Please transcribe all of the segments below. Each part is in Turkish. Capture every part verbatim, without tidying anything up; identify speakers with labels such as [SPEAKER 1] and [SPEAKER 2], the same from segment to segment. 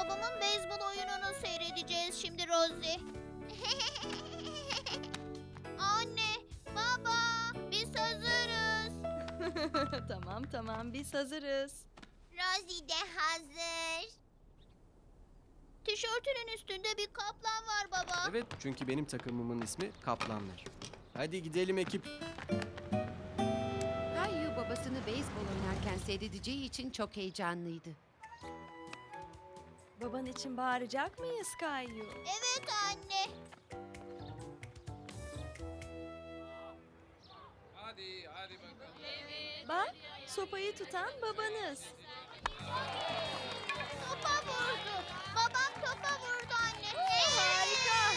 [SPEAKER 1] babamın beyzbol oyununu seyredeceğiz şimdi Rosie. Anne, baba, biz hazırız.
[SPEAKER 2] Tamam tamam biz hazırız.
[SPEAKER 1] Rosie de hazır. Tişörtünün üstünde bir kaplan var baba.
[SPEAKER 3] Evet, çünkü benim takımımın ismi Kaplanlar. Hadi gidelim ekip.
[SPEAKER 4] Kayu babasını beyzbol oynarken seyredeceği için çok heyecanlıydı.
[SPEAKER 2] Baban için bağıracak mıyız Kayu?
[SPEAKER 1] Evet anne.
[SPEAKER 5] Hadi, hadi bakalım.
[SPEAKER 2] Bak, sopayı tutan babanız.
[SPEAKER 1] Topa vurdu. Babam topa vurdu anne.
[SPEAKER 2] Harika.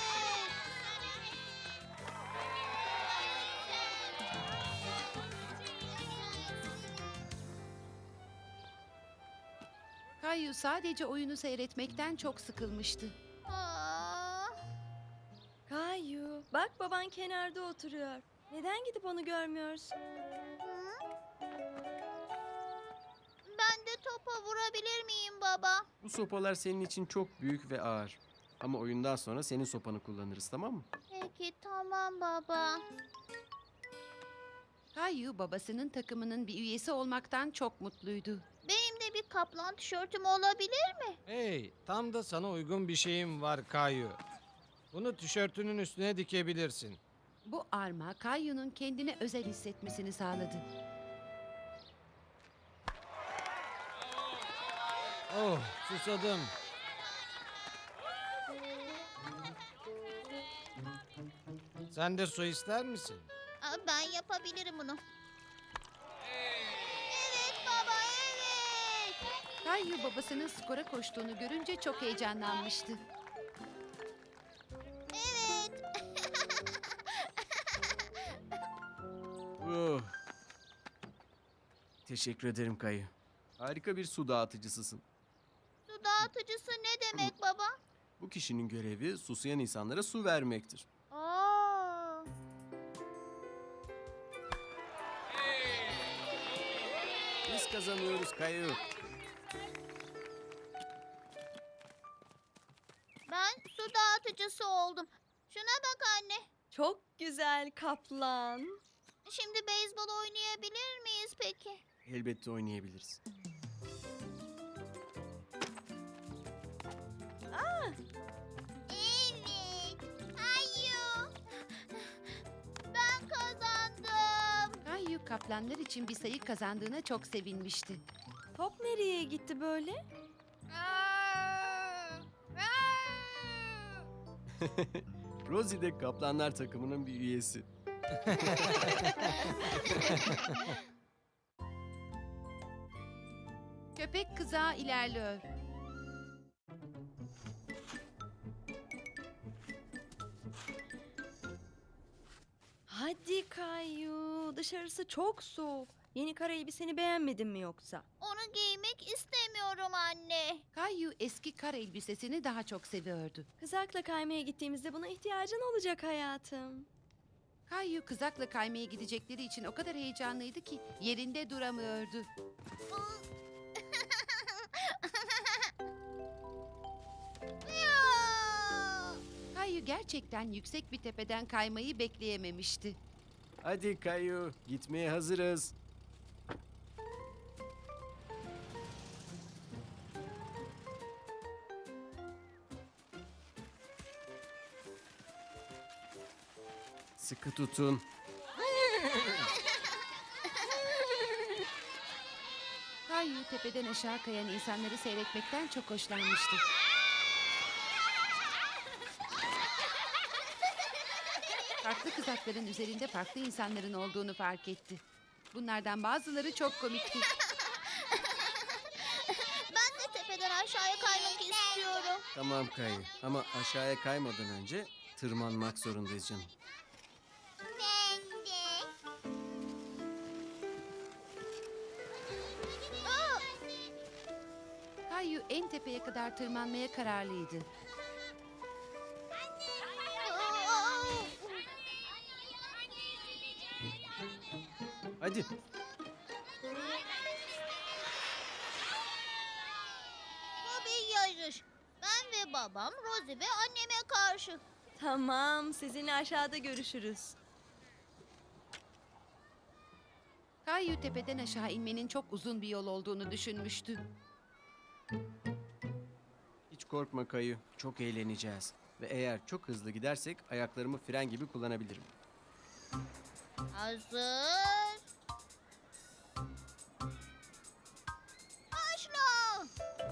[SPEAKER 4] Kayu sadece oyunu seyretmekten çok sıkılmıştı.
[SPEAKER 1] Aa,
[SPEAKER 2] Kayu, bak baban kenarda oturuyor. Neden gidip onu görmüyorsun?
[SPEAKER 1] hı? Ben de topa vurabilir miyim baba?
[SPEAKER 3] Bu sopalar senin için çok büyük ve ağır. Ama oyundan sonra senin sopanı kullanırız, tamam mı?
[SPEAKER 1] Peki tamam baba.
[SPEAKER 4] Kayu babasının takımının bir üyesi olmaktan çok mutluydu.
[SPEAKER 1] Benim de bir kaplan tişörtüm olabilir mi?
[SPEAKER 5] Hey, tam da sana uygun bir şeyim var Kayu. Bunu tişörtünün üstüne dikebilirsin.
[SPEAKER 4] Bu arma Kayu'nun kendini özel hissetmesini sağladı.
[SPEAKER 5] Oh, susadım. Sen de su ister misin?
[SPEAKER 1] Aa, ben yapabilirim bunu. Evet baba evet.
[SPEAKER 4] Kayu babasının skora koştuğunu görünce çok heyecanlanmıştı.
[SPEAKER 1] Evet.
[SPEAKER 3] Oh. Teşekkür ederim Kayı. Harika bir su dağıtıcısısın.
[SPEAKER 1] Su dağıtıcısı ne demek baba?
[SPEAKER 3] Bu kişinin görevi susayan insanlara su vermektir.
[SPEAKER 1] Aa.
[SPEAKER 3] Biz kazanıyoruz Kayı.
[SPEAKER 1] Ben su dağıtıcısı oldum. Şuna bak anne.
[SPEAKER 2] Çok güzel kaplan.
[SPEAKER 1] Şimdi beyzbol oynayabilir miyiz peki?
[SPEAKER 3] Elbette oynayabiliriz.
[SPEAKER 1] Evet. Hayır. Ben kazandım.
[SPEAKER 4] Kayu kaplanlar için bir sayı kazandığına çok sevinmişti.
[SPEAKER 2] Top nereye gitti böyle?
[SPEAKER 3] Rosie de Kaplanlar takımının bir üyesi.
[SPEAKER 4] Köpek kızağı ilerliyor.
[SPEAKER 2] Hadi Kayu, dışarısı çok soğuk. Yeni kara elbiseni beğenmedin mi yoksa?
[SPEAKER 1] Onu giymek istemiyorum anne.
[SPEAKER 4] Kayu eski kar elbisesini daha çok seviyordu.
[SPEAKER 2] Kızakla kaymaya gittiğimizde buna ihtiyacın olacak hayatım.
[SPEAKER 4] Kayu kızakla kaymaya gidecekleri için o kadar heyecanlıydı ki yerinde duramıyordu.
[SPEAKER 1] Ya!
[SPEAKER 4] Kayu gerçekten yüksek bir tepeden kaymayı bekleyememişti.
[SPEAKER 3] Hadi Kayı, gitmeye hazırız. Sıkı tutun.
[SPEAKER 4] Kayu tepeden aşağı kayan insanları seyretmekten çok hoşlanmıştı. Farklı kızakların üzerinde farklı insanların olduğunu fark etti. Bunlardan bazıları çok komikti.
[SPEAKER 1] Ben de tepeden aşağıya kaymak istiyorum.
[SPEAKER 3] Tamam Kayı, ama aşağıya kaymadan önce tırmanmak zorundayız canım.
[SPEAKER 1] Ben de. Aa!
[SPEAKER 4] Kayu en tepeye kadar tırmanmaya kararlıydı.
[SPEAKER 1] Aa!
[SPEAKER 3] Hadi.
[SPEAKER 1] Bu bir yarış. babam, Rosie ve anneme karşı.
[SPEAKER 2] Tamam, sizinle aşağıda görüşürüz.
[SPEAKER 4] Kayu tepeden aşağı inmenin çok uzun bir yol olduğunu düşünmüştü.
[SPEAKER 3] Hiç korkma Kayu. Çok eğleneceğiz. Ve eğer çok hızlı gidersek ayaklarımı fren gibi kullanabilirim.
[SPEAKER 1] Hazır. Başla.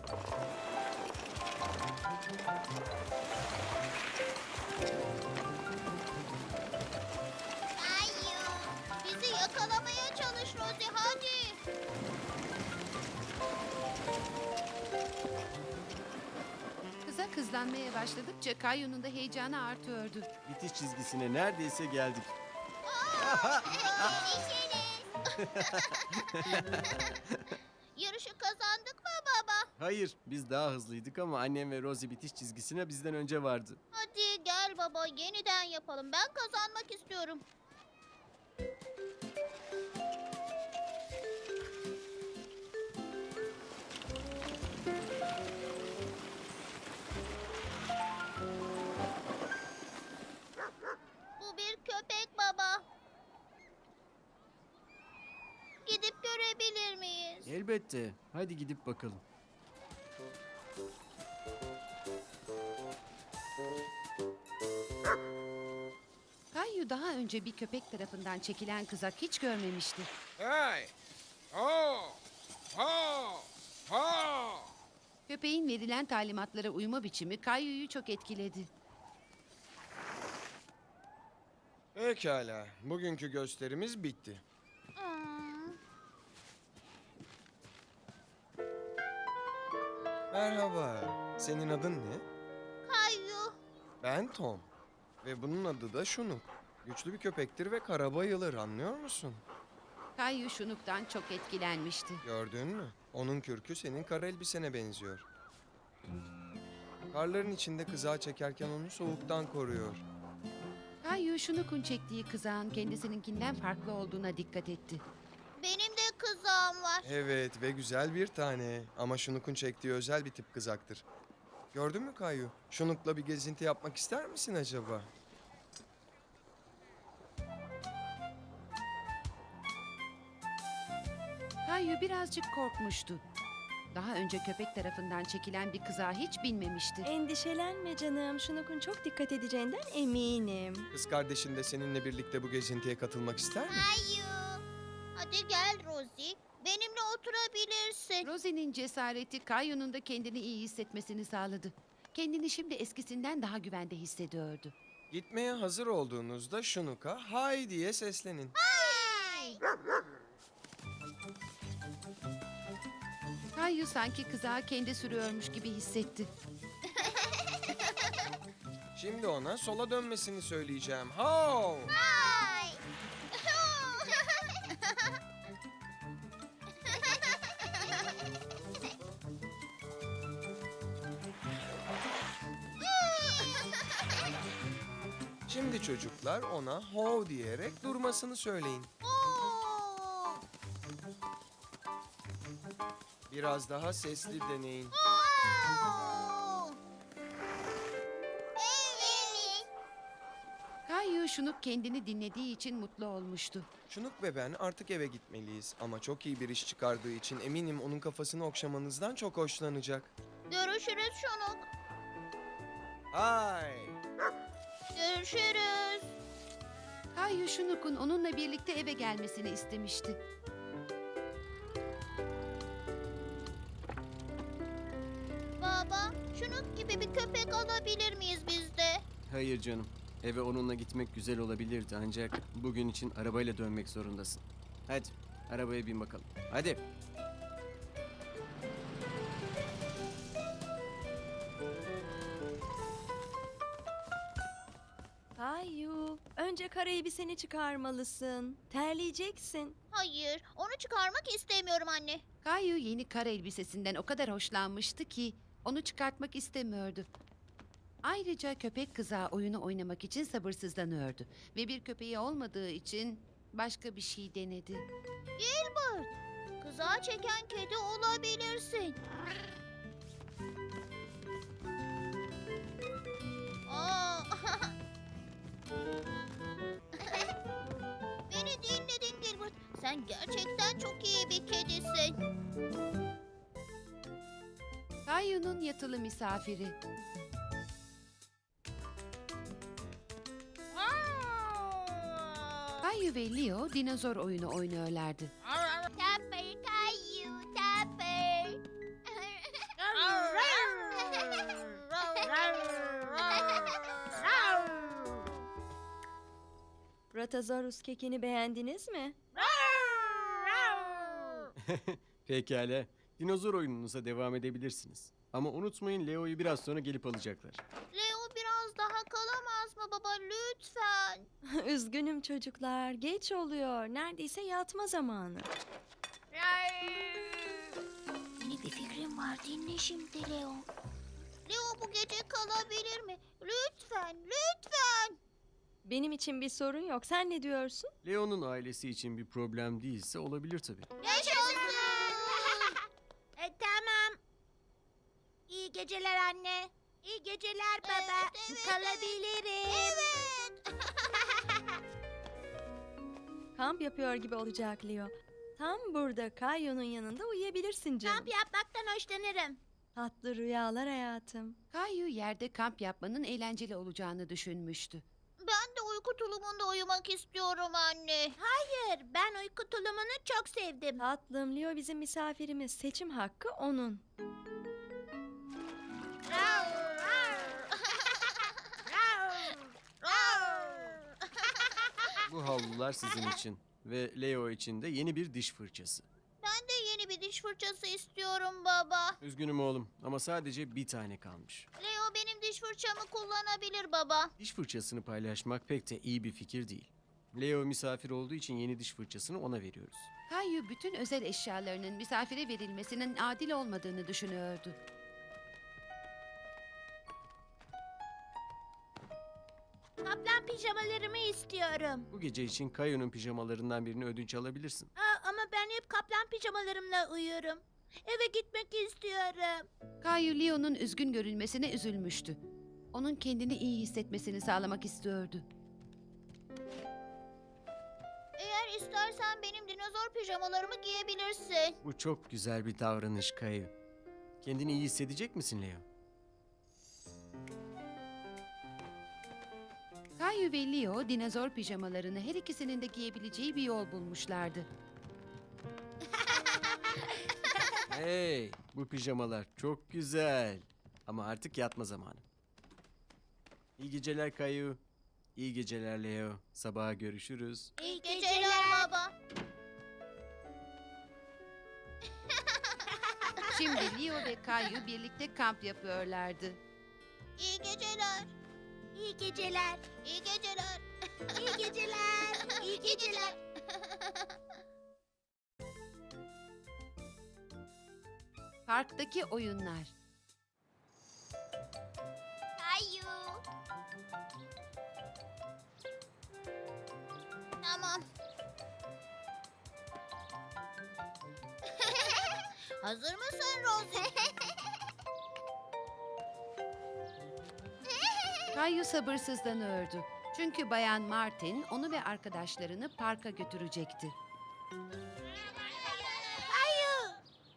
[SPEAKER 1] Kayu, bizi yakalamaya çalış Rosie, hadi.
[SPEAKER 4] Kıza kızlanmaya başladıkça Kayu'nun da heyecanı artıyordu.
[SPEAKER 3] Bitiş çizgisine neredeyse geldik.
[SPEAKER 1] Yarışı kazandık mı baba?
[SPEAKER 3] Hayır, biz daha hızlıydık ama annem ve Rosie bitiş çizgisine bizden önce vardı.
[SPEAKER 1] Hadi gel baba, yeniden yapalım. Ben kazanmak istiyorum. Bu bir köpek baba. Gidip görebilir miyiz?
[SPEAKER 3] Elbette. Hadi gidip bakalım.
[SPEAKER 4] Kayu daha önce bir köpek tarafından çekilen kızak hiç görmemişti.
[SPEAKER 5] Hey! Ho! Ho! Ho!
[SPEAKER 4] Köpeğin verilen talimatlara uyma biçimi Kayu'yu çok etkiledi.
[SPEAKER 6] Pekala, bugünkü gösterimiz bitti.
[SPEAKER 1] Hmm.
[SPEAKER 6] Merhaba, senin adın ne?
[SPEAKER 1] Kayu.
[SPEAKER 6] Ben Tom. Ve bunun adı da Şunuk. Güçlü bir köpektir ve kara bayılır, anlıyor musun?
[SPEAKER 4] Kayu Şunuk'tan çok etkilenmişti.
[SPEAKER 6] Gördün mü? Onun kürkü senin kara elbisene benziyor. Karların içinde kızağı çekerken onu soğuktan koruyor.
[SPEAKER 4] Kayu Şunuk'un çektiği kızağın kendisininkinden farklı olduğuna dikkat etti.
[SPEAKER 1] Benim de kızağım var.
[SPEAKER 6] Evet ve güzel bir tane. Ama Şunuk'un çektiği özel bir tip kızaktır. Gördün mü Kayu? Şunuk'la bir gezinti yapmak ister misin acaba?
[SPEAKER 4] Kayu birazcık korkmuştu. Daha önce köpek tarafından çekilen bir kızağa hiç binmemişti.
[SPEAKER 2] Endişelenme canım, Şunok'un çok dikkat edeceğinden eminim.
[SPEAKER 6] Kız kardeşin de seninle birlikte bu gezintiye katılmak ister mi?
[SPEAKER 1] Kayu. Hadi gel Rosie. Benimle oturabilirsin.
[SPEAKER 4] Rosie'nin cesareti Kayu'nun da kendini iyi hissetmesini sağladı. Kendini şimdi eskisinden daha güvende hissediyordu.
[SPEAKER 6] Gitmeye hazır olduğunuzda Şunuk'a hay diye seslenin.
[SPEAKER 1] Hey!
[SPEAKER 4] Kayu sanki kızağı kendi sürüyormuş gibi hissetti.
[SPEAKER 6] Şimdi ona sola dönmesini söyleyeceğim. Ho!
[SPEAKER 1] Hey!
[SPEAKER 6] Şimdi çocuklar ona ho diyerek durmasını söyleyin.
[SPEAKER 1] Oo!
[SPEAKER 6] Biraz daha sesli deneyin.
[SPEAKER 1] Oo! Evet.
[SPEAKER 4] Kayu Şunuk kendini dinlediği için mutlu olmuştu.
[SPEAKER 6] Şunuk ve ben artık eve gitmeliyiz. Ama çok iyi bir iş çıkardığı için eminim onun kafasını okşamanızdan çok hoşlanacak.
[SPEAKER 1] Görüşürüz Şunuk.
[SPEAKER 6] Hay!
[SPEAKER 1] Görüşürüz.
[SPEAKER 4] Kayu Şunuk'un onunla birlikte eve gelmesini istemişti.
[SPEAKER 1] Baba, Şunuk gibi bir köpek alabilir miyiz biz de?
[SPEAKER 3] Hayır canım. Eve onunla gitmek güzel olabilirdi ancak bugün için arabayla dönmek zorundasın. Hadi arabaya bin bakalım. Hadi.
[SPEAKER 2] Kayu, önce kara elbiseni çıkarmalısın. Terleyeceksin.
[SPEAKER 1] Hayır, onu çıkarmak istemiyorum anne.
[SPEAKER 4] Kayu yeni kar elbisesinden o kadar hoşlanmıştı ki onu çıkartmak istemiyordu. Ayrıca köpek kızağı oyunu oynamak için sabırsızlanıyordu. Ve bir köpeği olmadığı için başka bir şey denedi.
[SPEAKER 1] Gilbert, kızağı çeken kedi olabilirsin. Sen gerçekten çok iyi bir kedisin.
[SPEAKER 4] Kayu'nun yatılı misafiri. Kayu ve Leo dinozor oyunu oynuyorlardı.
[SPEAKER 1] Tapper Kayu, Tapper.
[SPEAKER 2] Bratazorus kekini beğendiniz mi?
[SPEAKER 3] Pekala. Dinozor oyununuza devam edebilirsiniz. Ama unutmayın Leo'yu biraz sonra gelip alacaklar.
[SPEAKER 1] Leo biraz daha kalamaz mı baba lütfen?
[SPEAKER 2] Üzgünüm çocuklar. Geç oluyor. Neredeyse yatma zamanı.
[SPEAKER 1] Yeni bir fikrim var, dinle şimdi Leo. Leo bu gece kalabilir mi? Lütfen, lütfen.
[SPEAKER 2] Benim için bir sorun yok. Sen ne diyorsun?
[SPEAKER 3] Leo'nun ailesi için bir problem değilse olabilir tabii.
[SPEAKER 1] Yaşasın.
[SPEAKER 7] E, tamam. İyi geceler anne. İyi geceler baba.
[SPEAKER 1] Evet, evet,
[SPEAKER 7] Kalabilirim.
[SPEAKER 1] Evet.
[SPEAKER 2] Kamp yapıyor gibi olacak Leo. Tam burada Kayu'nun yanında uyuyabilirsin canım.
[SPEAKER 7] Kamp yapmaktan hoşlanırım.
[SPEAKER 2] Tatlı rüyalar hayatım.
[SPEAKER 4] Kayu yerde kamp yapmanın eğlenceli olacağını düşünmüştü.
[SPEAKER 1] Ben de uyku tulumunda uyumak istiyorum anne.
[SPEAKER 7] Hayır, ben uyku tulumunu çok sevdim.
[SPEAKER 2] Tatlım, Leo bizim misafirimiz. Seçim hakkı onun.
[SPEAKER 3] Bu havlular sizin için. Ve Leo için de yeni bir diş fırçası.
[SPEAKER 1] Ben de yeni bir diş fırçası istiyorum baba.
[SPEAKER 3] Üzgünüm oğlum ama sadece bir tane kalmış.
[SPEAKER 1] Leo benim diş fırçamı kullanabilir baba.
[SPEAKER 3] Diş fırçasını paylaşmak pek de iyi bir fikir değil. Leo misafir olduğu için yeni diş fırçasını ona veriyoruz.
[SPEAKER 4] Kayu bütün özel eşyalarının misafire verilmesinin adil olmadığını düşünüyordu.
[SPEAKER 7] Kaplan pijamalarımı istiyorum.
[SPEAKER 3] Bu gece için Kayu'nun pijamalarından birini ödünç alabilirsin.
[SPEAKER 7] Aa, ama ben hep kaplan pijamalarımla uyuyorum. Eve gitmek istiyorum.
[SPEAKER 4] Kayu Leo'nun üzgün görünmesine üzülmüştü. Onun kendini iyi hissetmesini sağlamak istiyordu.
[SPEAKER 1] Eğer istersen benim dinozor pijamalarımı giyebilirsin.
[SPEAKER 3] Bu çok güzel bir davranış Kayu. Kendini iyi hissedecek misin Leo?
[SPEAKER 4] Kayu ve Leo dinozor pijamalarını her ikisinin de giyebileceği bir yol bulmuşlardı.
[SPEAKER 3] Hey, bu pijamalar çok güzel. Ama artık yatma zamanı. İyi geceler Kayu. İyi geceler Leo. Sabaha görüşürüz.
[SPEAKER 7] İyi
[SPEAKER 1] Geceler baba.
[SPEAKER 4] Şimdi Leo ve Kayu birlikte kamp yapıyorlardı.
[SPEAKER 1] İyi geceler.
[SPEAKER 7] İyi geceler.
[SPEAKER 1] İyi geceler.
[SPEAKER 7] İyi geceler. İyi geceler.
[SPEAKER 4] Parktaki oyunlar.
[SPEAKER 1] Kayu. Tamam. Hazır mısın Rosie?
[SPEAKER 4] Kayu sabırsızlanıyordu. Çünkü Bayan Martin onu ve arkadaşlarını parka götürecekti.
[SPEAKER 7] Kayu.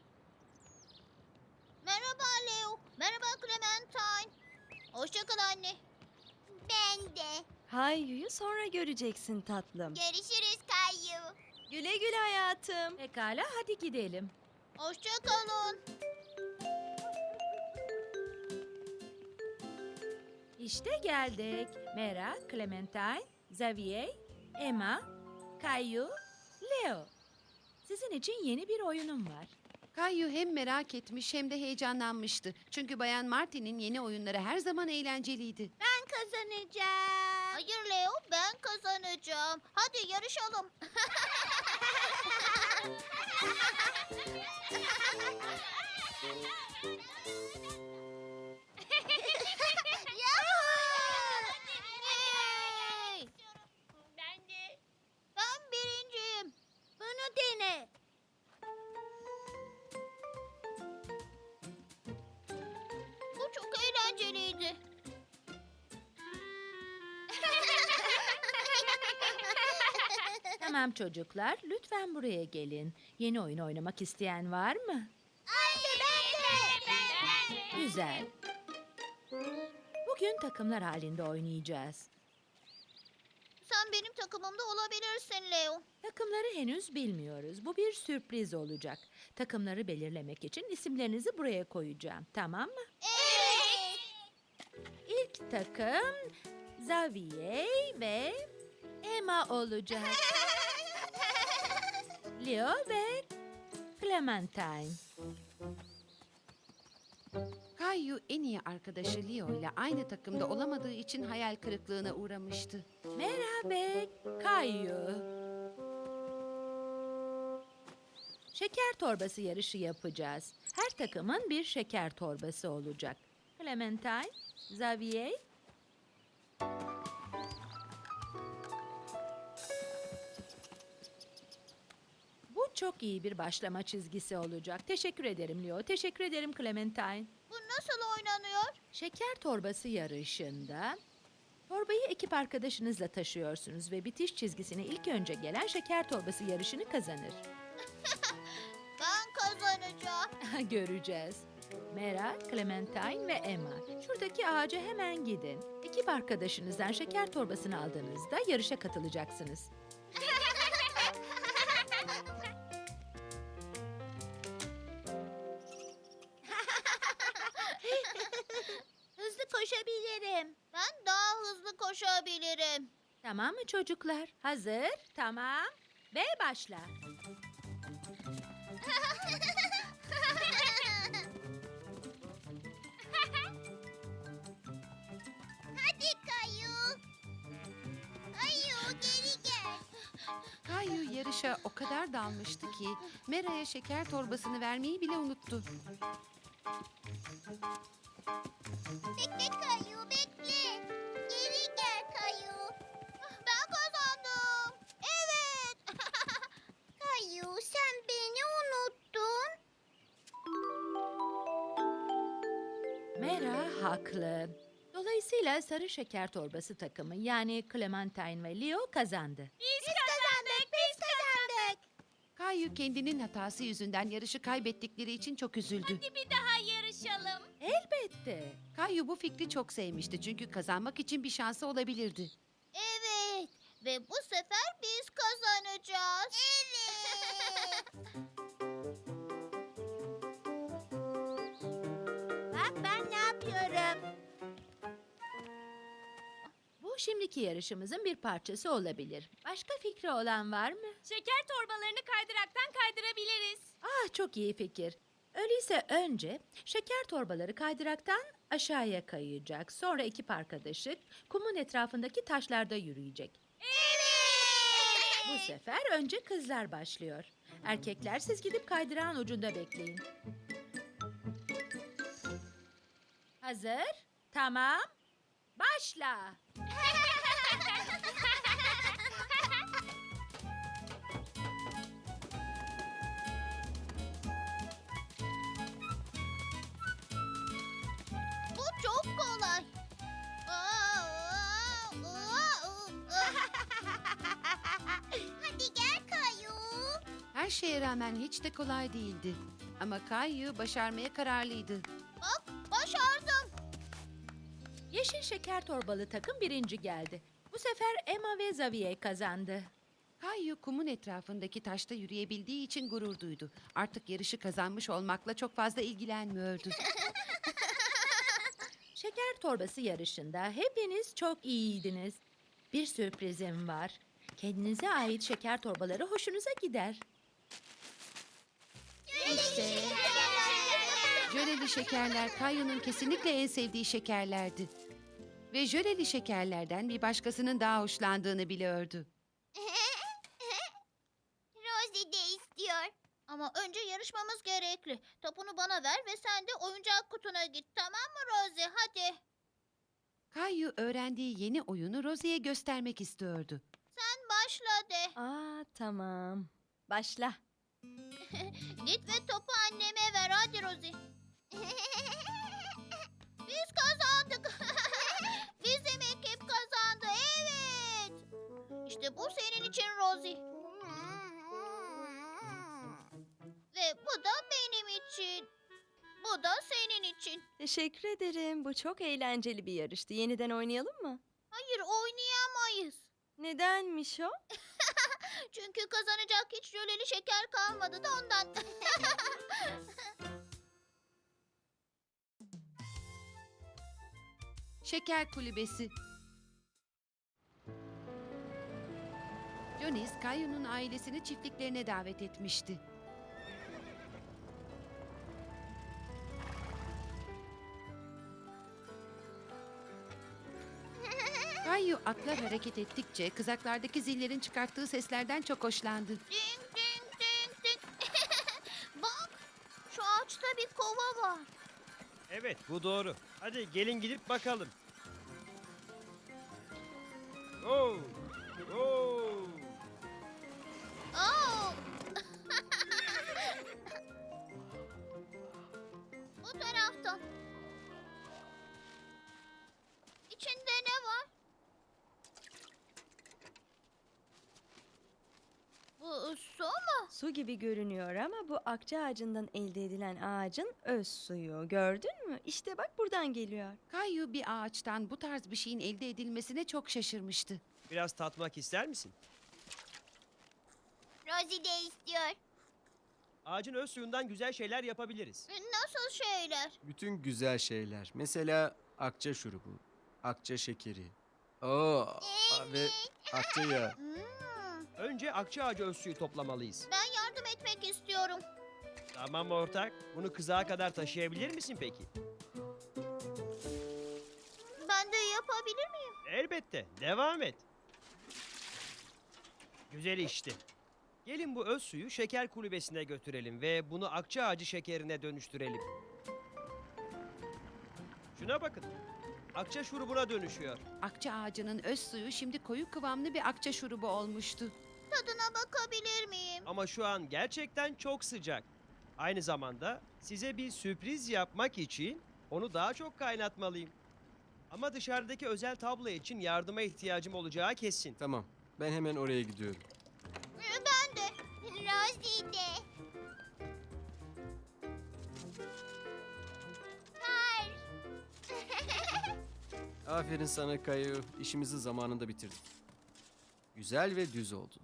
[SPEAKER 1] Merhaba Leo. Merhaba Clementine. Hoşça kal anne. Ben de.
[SPEAKER 2] Kayu'yu sonra göreceksin tatlım.
[SPEAKER 1] Görüşürüz Kayu.
[SPEAKER 2] Güle güle hayatım.
[SPEAKER 8] Pekala hadi gidelim.
[SPEAKER 1] Hoşça kalın.
[SPEAKER 8] İşte geldik. Mera, Clementine, Xavier, Emma, Caillou, Leo. Sizin için yeni bir oyunum var.
[SPEAKER 4] Kayu hem merak etmiş hem de heyecanlanmıştı. Çünkü Bayan Martin'in yeni oyunları her zaman eğlenceliydi.
[SPEAKER 7] Ben kazanacağım.
[SPEAKER 1] Hayır Leo, ben kazanacağım. Hadi yarışalım. Hey! Ben de. Ben birinciyim.
[SPEAKER 7] Bunu dene.
[SPEAKER 1] Bu çok eğlenceliydi.
[SPEAKER 8] Tamam çocuklar, lütfen buraya gelin. Yeni oyun oynamak isteyen var mı?
[SPEAKER 1] Anne ben de.
[SPEAKER 8] Güzel. Bugün takımlar halinde oynayacağız.
[SPEAKER 1] Sen benim takımımda olabilirsin Leo.
[SPEAKER 8] Takımları henüz bilmiyoruz. Bu bir sürpriz olacak. Takımları belirlemek için isimlerinizi buraya koyacağım. Tamam mı?
[SPEAKER 1] Evet.
[SPEAKER 8] İlk takım Xavier ve Emma olacak. Leo ve Clementine.
[SPEAKER 4] Kayu en iyi arkadaşı Leo ile aynı takımda olamadığı için hayal kırıklığına uğramıştı.
[SPEAKER 8] Merhaba Kayu. Şeker torbası yarışı yapacağız. Her takımın bir şeker torbası olacak. Clementine, Xavier. Bu çok iyi bir başlama çizgisi olacak. Teşekkür ederim Leo. Teşekkür ederim Clementine.
[SPEAKER 1] Bu nasıl oynanıyor?
[SPEAKER 8] Şeker torbası yarışında torbayı ekip arkadaşınızla taşıyorsunuz ve bitiş çizgisine ilk önce gelen şeker torbası yarışını kazanır.
[SPEAKER 1] Ben kazanacağım.
[SPEAKER 8] Göreceğiz. Mera, Clementine ve Emma. Şuradaki ağaca hemen gidin. Ekip arkadaşınızdan şeker torbasını aldığınızda yarışa katılacaksınız.
[SPEAKER 1] Hızlı koşabilirim. Ben daha hızlı koşabilirim.
[SPEAKER 8] Tamam mı çocuklar? Hazır, tamam ve başla.
[SPEAKER 1] Hadi Kayu. Kayu geri gel.
[SPEAKER 4] Kayu yarışa o kadar dalmıştı ki Mera'ya şeker torbasını vermeyi bile unuttu.
[SPEAKER 1] Bekle Kayu bekle. Geri gel Kayu. Ben kazandım. Evet. Kayu sen beni unuttun.
[SPEAKER 8] Mera haklı. Dolayısıyla sarı şeker torbası takımı yani Clementine ve Leo kazandı.
[SPEAKER 1] Biz kazandık biz kazandık.
[SPEAKER 4] Kayu kendinin hatası yüzünden yarışı kaybettikleri için çok üzüldü.
[SPEAKER 1] Bir daha yarışalım.
[SPEAKER 8] Elbette.
[SPEAKER 4] Kayu bu fikri çok sevmişti çünkü kazanmak için bir şansı olabilirdi.
[SPEAKER 1] Evet. Ve bu sefer biz kazanacağız. Evet. Bak ben ne yapıyorum?
[SPEAKER 8] Bu şimdiki yarışımızın bir parçası olabilir. Başka fikri olan var mı?
[SPEAKER 2] Şeker torbalarını kaydıraktan kaydırabiliriz.
[SPEAKER 8] Ah çok iyi fikir. Öyleyse önce şeker torbaları kaydıraktan aşağıya kayacak. Sonra ekip arkadaşı kumun etrafındaki taşlarda yürüyecek. Bu sefer önce kızlar başlıyor. Erkekler siz gidip kaydırağın ucunda bekleyin. Hazır? Tamam. Başla.
[SPEAKER 1] Bu çok kolay. Hadi gel Kayu.
[SPEAKER 4] Her şeye rağmen hiç de kolay değildi. Ama Kayu başarmaya kararlıydı.
[SPEAKER 1] Bak başardım.
[SPEAKER 8] Yeşil şeker torbalı takım birinci geldi. Bu sefer Emma ve Xavier kazandı.
[SPEAKER 4] Kayu kumun etrafındaki taşta yürüyebildiği için gurur duydu. Artık yarışı kazanmış olmakla çok fazla ilgilenmiyordu.
[SPEAKER 8] Şeker torbası yarışında hepiniz çok iyiydiniz. Bir sürprizim var. Kendinize ait şeker torbaları hoşunuza gider. İşte.
[SPEAKER 4] Jöleli şekerler Kayu'nun kesinlikle en sevdiği şekerlerdi. Ve jöleli şekerlerden bir başkasının daha hoşlandığını biliyordu.
[SPEAKER 1] Rosie de istiyor. Ama önce yarışmamız gerekli. Topunu bana ver ve sen de oyuncak kutuna git. Tamam mı Rosie? Hadi.
[SPEAKER 4] Kayu öğrendiği yeni oyunu Rosie'ye göstermek istiyordu.
[SPEAKER 1] Sen başla de.
[SPEAKER 2] Aa tamam. Başla.
[SPEAKER 1] Git ve topu anneme ver. Hadi Rosie. Biz kazandık. Bizim ekip kazandı. Evet. İşte bu senin için Rosie. Ve bu da benim için. Bu da senin için.
[SPEAKER 2] Teşekkür ederim. Bu çok eğlenceli bir yarıştı. Yeniden oynayalım mı?
[SPEAKER 1] Hayır, oynayamayız.
[SPEAKER 2] Nedenmiş o?
[SPEAKER 1] Çünkü kazanacak hiç jöleli şeker kalmadı da ondan.
[SPEAKER 4] Şeker kulübesi. Jonis, Kayu'nun ailesini çiftliklerine davet etmişti. Kayu atlar hareket ettikçe kızaklardaki zillerin çıkarttığı seslerden çok hoşlandı.
[SPEAKER 1] Ding ding ding ding. Bak, şu ağaçta bir kova var.
[SPEAKER 9] Evet, bu doğru. Hadi gelin gidip bakalım. Oo! Oo!
[SPEAKER 1] Oo. Bu taraftan. İçinde ne var? Bu su mu?
[SPEAKER 2] Su gibi görünüyor ama bu akça ağacından elde edilen ağacın öz suyu. Gördün mü? İşte bak buradan geliyor.
[SPEAKER 4] Kayu bir ağaçtan bu tarz bir şeyin elde edilmesine çok şaşırmıştı.
[SPEAKER 9] Biraz tatmak ister misin?
[SPEAKER 1] Rosie de istiyor.
[SPEAKER 9] Ağacın öz suyundan güzel şeyler yapabiliriz.
[SPEAKER 1] Nasıl şeyler?
[SPEAKER 3] Bütün güzel şeyler. Mesela akça şurubu, akça şekeri. Oo, ve akça yağı.
[SPEAKER 1] Hmm,
[SPEAKER 9] Önce akça ağacı öz suyu toplamalıyız.
[SPEAKER 1] ben yardım etmek istiyorum.
[SPEAKER 9] Tamam ortak. Bunu kızağa kadar taşıyabilir misin peki?
[SPEAKER 1] Ben de yapabilir miyim?
[SPEAKER 9] Elbette. Devam et. Güzel işte. Gelin bu öz suyu şeker kulübesine götürelim ve bunu akça ağacı şekerine dönüştürelim. Şuna bakın. Akça şurubuna dönüşüyor.
[SPEAKER 4] Akça ağacının öz suyu şimdi koyu kıvamlı bir akça şurubu olmuştu.
[SPEAKER 1] Tadına bakabilir miyim?
[SPEAKER 9] Ama şu an gerçekten çok sıcak. Aynı zamanda size bir sürpriz yapmak için onu daha çok kaynatmalıyım. Ama dışarıdaki özel tablo için yardıma ihtiyacım olacağı kesin.
[SPEAKER 3] Tamam, ben hemen oraya gidiyorum.
[SPEAKER 1] Ben de. Rosie de. Hayır.
[SPEAKER 3] Aferin sana Kayu. İşimizi zamanında bitirdin. Güzel ve düz oldu.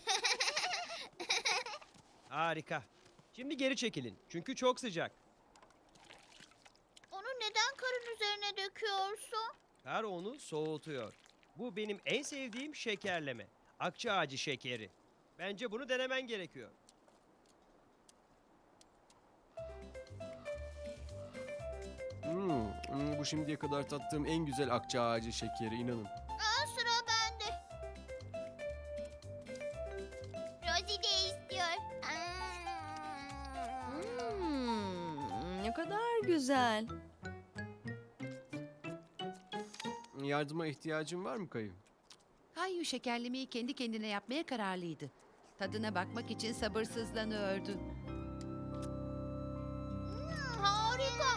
[SPEAKER 9] Harika. Şimdi geri çekilin çünkü çok sıcak.
[SPEAKER 1] Onu neden karın üzerine döküyorsun?
[SPEAKER 9] Kar onu soğutuyor. Bu benim en sevdiğim şekerleme. Akça ağacı şekeri. Bence bunu denemen gerekiyor.
[SPEAKER 3] Hmm, hmm, bu şimdiye kadar tattığım en güzel akça ağacı şekeri, inanın.
[SPEAKER 1] Aa, sıra bende. Rosie de istiyor.
[SPEAKER 2] Hmm, ne kadar güzel.
[SPEAKER 3] Yardıma ihtiyacın var mı Kayu?
[SPEAKER 4] Kayu şekerlemeyi kendi kendine yapmaya kararlıydı. Tadına bakmak için sabırsızlanıyordu.
[SPEAKER 1] Hmm, harika.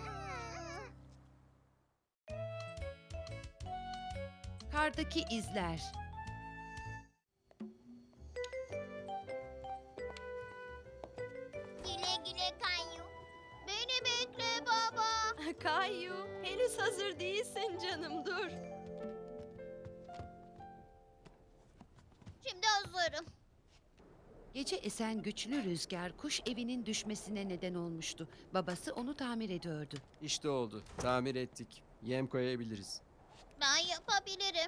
[SPEAKER 4] Kardaki izler.
[SPEAKER 1] Güle güle Kayu. Beni bekle baba.
[SPEAKER 2] Kayu, henüz hazır değilsin canım, dur.
[SPEAKER 1] Şimdi hazırım.
[SPEAKER 4] Gece esen güçlü rüzgar kuş evinin düşmesine neden olmuştu. Babası onu tamir ediyordu.
[SPEAKER 3] İşte oldu. Tamir ettik. Yem koyabiliriz.
[SPEAKER 1] Ben yapabilirim.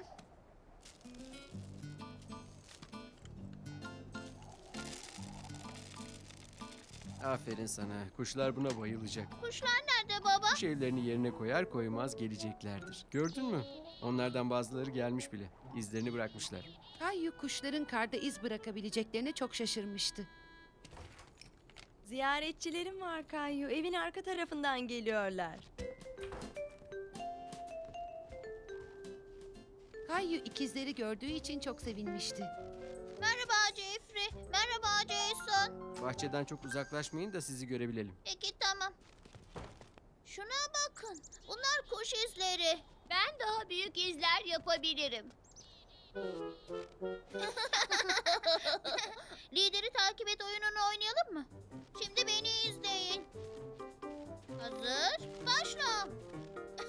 [SPEAKER 3] Aferin sana. Kuşlar buna bayılacak.
[SPEAKER 1] Kuşlar nerede baba?
[SPEAKER 3] Kuş evlerini yerine koyar koymaz geleceklerdir. Gördün mü? Onlardan bazıları gelmiş bile. İzlerini bırakmışlar.
[SPEAKER 4] Kayu kuşların karda iz bırakabileceklerine çok şaşırmıştı.
[SPEAKER 2] Ziyaretçilerim var Kayu. Evin arka tarafından geliyorlar.
[SPEAKER 4] Kayu ikizleri gördüğü için çok sevinmişti.
[SPEAKER 1] Merhaba Jeffrey. Merhaba Jason.
[SPEAKER 3] Bahçeden çok uzaklaşmayın da sizi görebilelim.
[SPEAKER 1] Peki tamam. Şuna bakın. Bunlar kuş izleri. Ben daha büyük izler yapabilirim. Lideri takip et oyununu oynayalım mı? Şimdi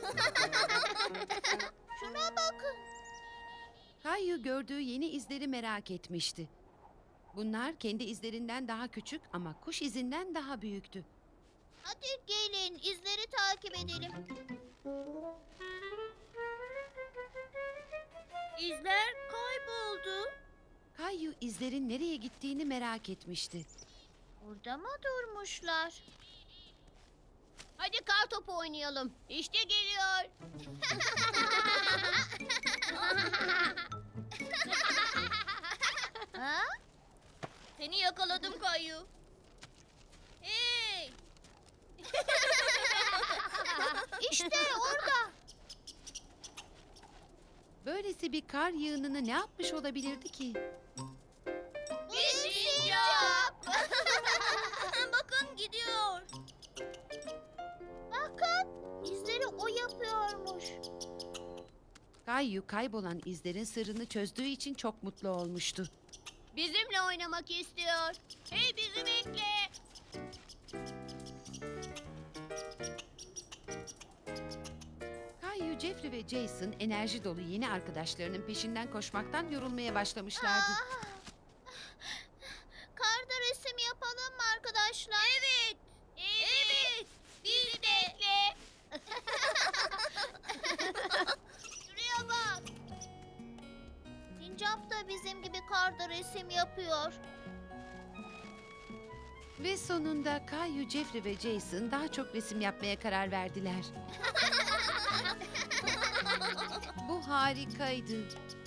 [SPEAKER 1] Şuna bakın.
[SPEAKER 4] Kayu gördüğü yeni izleri merak etmişti. Bunlar kendi izlerinden daha küçük ama kuş izinden daha büyüktü.
[SPEAKER 1] Hadi gelin izleri takip edelim.
[SPEAKER 7] İzler kayboldu.
[SPEAKER 4] Kayu izlerin nereye gittiğini merak etmişti.
[SPEAKER 1] Burada mı durmuşlar? Hadi kar topu oynayalım. İşte geliyor. ha? Seni yakaladım Kayu. Hey! işte orada.
[SPEAKER 4] Böylesi bir kar yığınını ne yapmış olabilirdi ki?
[SPEAKER 1] Bir sincap. Bakın gidiyor. Bakın izleri o yapıyormuş.
[SPEAKER 4] Kayu kaybolan izlerin sırrını çözdüğü için çok mutlu olmuştu.
[SPEAKER 1] Bizimle oynamak istiyor. Hey bizi bekle.
[SPEAKER 4] Kayu, Jeffrey ve Jason enerji dolu yeni arkadaşlarının peşinden koşmaktan yorulmaya başlamışlardı.
[SPEAKER 1] Ah! Karda resim yapalım mı arkadaşlar? Evet. Evet. Bizi bekle. Şuraya bak. Sincap da bizim gibi karda resim yapıyor.
[SPEAKER 4] Ve sonunda Kayu, Jeffrey ve Jason daha çok resim yapmaya karar verdiler. Bu harikaydı.